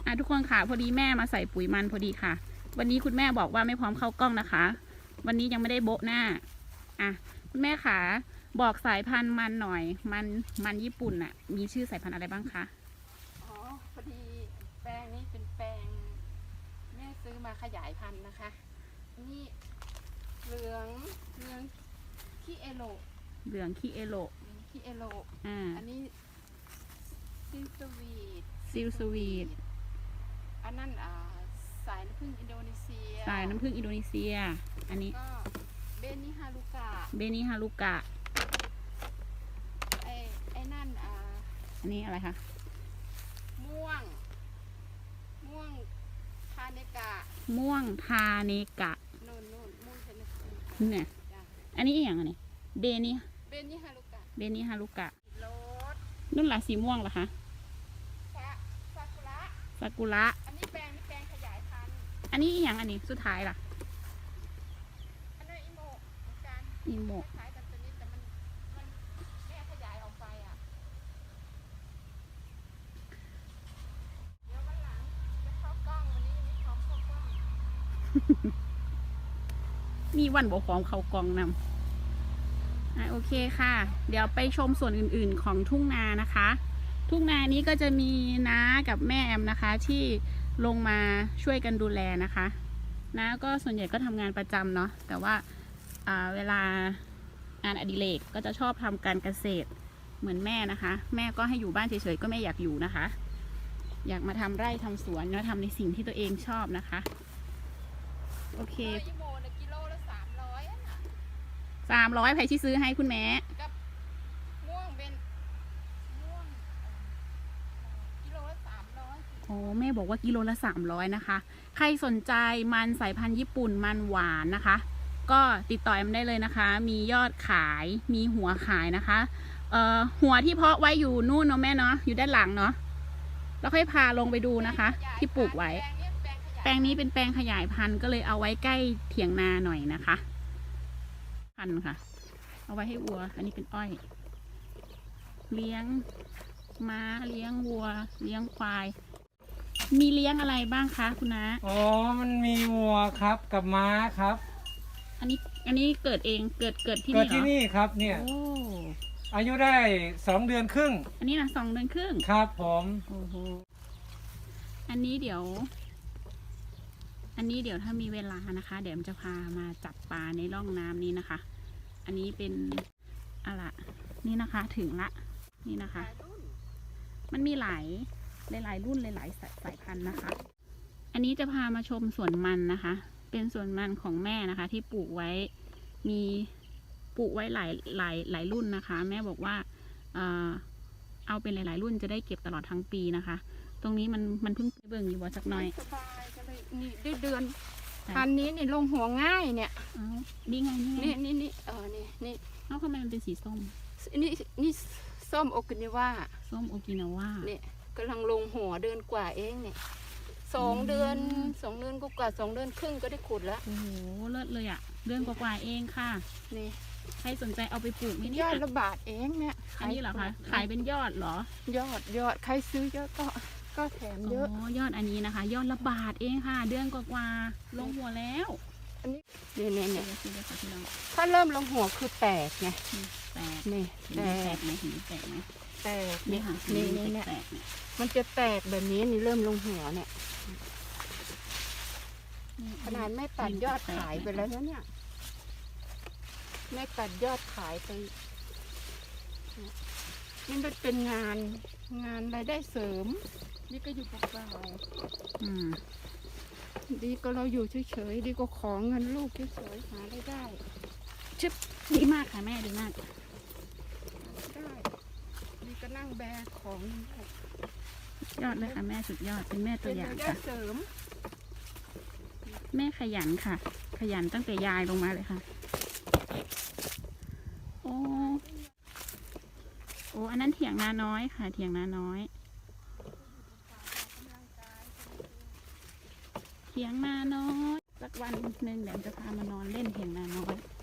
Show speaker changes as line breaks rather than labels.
ทุกคนค่ะพอดีแม่มาใส่ปุ๋ยมันพอดีค่ะวันนี้คุณแม่บอกว่าไม่พร้อมเข้ากล้องนะคะวันนี้ยังไม่ได้โบ๊ะหน้าคุณแม่ค่ะบอกสายพันธุ์มันหน่อยมันญี่ปุ่นน่ะมีชื่อสายพันธุ์อะไรบ้างคะ
อ๋อพอดีแปลงนี้เป็นแปลงแม่ซื้อมาขยายพันธุ์นะคะนี่เหลืองขี้เอโล
เหลืองขี้เอโล
อันนี้ซิลส
วีท
อันนั้นสายน้ำผึ้งอินโดนีเซีย
อันนี้
ก็เบนิฮารุกะไอ้นั่น
อันนี้อะไรคะ
ม่วงทาเนกะ
นู่นม่วงทาเนกะเนี่ยอันนี้อย่างนี้เบนิฮารุกะนุ่นล่ะสีม่วงเหรอคะซากุระ
อันนี้แปลงขยายพันธุ์
อันนี้อย่างอันนี้สุดท้ายล่ะ
อันนั้นอิโมะเหมือนกัน
อิโมะ
คล้ายกันตัวนี้แต่มันแม่ขยายออกไปเดี๋ยววันหลังจะเข้ากล้องวันนี้ไม่พร้อมเข้ากล้อง
มีวันบอกพร้อมเข้ากล้องนำโอเคค่ะเดี๋ยวไปชมส่วนอื่นๆของทุ่งนานะคะทุ่งนานี้ก็จะมีน้ากับแม่แอมนะคะที่ลงมาช่วยกันดูแลนะคะน้าก็ส่วนใหญ่ก็ทำงานประจำเนาะแต่ว่าเวลางานอดิเรกก็จะชอบทำการเกษตรเหมือนแม่นะคะแม่ก็ให้อยู่บ้านเฉยๆก็ไม่อยากอยู่นะคะอยากมาทำไร่ทำสวนแล้วทำในสิ่งที่ตัวเองชอบนะคะโอเค
กิโลละ
300ใครที่ซื้อให้คุณแม่
กับม่วงเป็นกิโลละ300
โอ้แม่บอกว่ากิโลละ300นะคะใครสนใจมันสายพันธุ์ญี่ปุ่นมันหวานนะคะก็ติดต่อแอมได้เลยนะคะมียอดขายมีหัวขายนะคะหัวที่เพาะไว้อยู่นู่นเนาะแม่เนาะอยู่ด้านหลังเนาะแล้วค่อยพาลงไปดูนะคะที่ปลูกไว้แปลงนี้เป็นแปลงขยายพันธุ์ก็เลยเอาไว้ใกล้เถียงนาหน่อยนะคะพันธุ์ค่ะเอาไว้ให้วัวอันนี้เป็นอ้อยเลี้ยงม้าเลี้ยงวัวเลี้ยงควายมีเลี้ยงอะไรบ้างคะคุณน้า
อ๋อมันมีวัวครับกับม้าครับ
อันนี้เกิดเองเกิดที่นี่เหรอ
เกิดที่นี่ครับเนี่ยอายุได้2 เดือนครึ่ง
อันนี้นะ2 เดือนครึ่ง
ครับผม
โอ้โหอันนี้เดี๋ยวถ้ามีเวลานะคะเดี๋ยวจะพามาจับปลาในร่องน้ำนี้นะคะอันนี้เป็นอะไรนี่นะคะถึงละนี่นะคะมันมีหลายรุ่นหลายสายพันธุ์นะคะอันนี้จะพามาชมสวนมันนะคะเป็นสวนมันของแม่นะคะที่ปลูกไว้มีปลูกไว้หลายรุ่นนะคะแม่บอกว่าเอาเป็นหลายรุ่นจะได้เก็บตลอดทั้งปีนะคะตรงนี้มันเพิ่งเบิ่งอยู่ว่าสักหน่อย
สบายก็เลยนี่ได้เดือนพันนี้นี่ลงหัวง่ายเนี่ย
นี่ไง
นี่
ทำไมมันเป็นสีส้ม
นี่ส้มโอกินาวา
เนี่ย
กำลังลงหัวเดือนกว่าเองเนี่ย2 เดือนกว่า2 เดือนครึ่งก็ได้ขุดแล้ว
โอ้โหเลิศเลยอ่ะเดือนกว่าเองค่ะ
นี่
ใครสนใจเอาไปปลูกนี่
ยอดละบาทเองเนี่ย
อันนี้เหรอคะขายเป็นยอดเหร
อยอดใครซื้อเยอะก็แถมเยอะ
ยอดอันนี้นะคะยอดละบาทเองค่ะเดือนกว่าลงหัวแล้ว
อันนี้เนี่ยถ้าเริ่มลงหัวคือแตกไง
นี่แตกไหมแตก
นี่ค่ะนี่มันจะแตกแบบนี้นี่เริ่มลงหัวเนี่ยขนาดแม่ตัดยอดขายไปแล้วเนี่ยแม่ตัดยอดขายไปนี่มันเป็นงานรายได้เสริมนี่ก็อยู่เปล่าดีก็เราอยู่เฉยๆดีก็ขอเงินลูกเฉยๆหาได้
ชึบดีมากค่ะแม่ดีมาก
ได้ดีก็นั่งแบกของ
ยอดเลยค่ะแม่สุดยอดเป็นแม่ตัวอย่างค่ะแม่ขยันค่ะขยันตั้งแต่ยายลงมาเลยค่ะโอ้อันนั้นเถียงนาน้อยค่ะเถียงนาน้อยสักวันหนึ่งเดี๋ยวจะพามานอนเล่นเถียงนาน้อย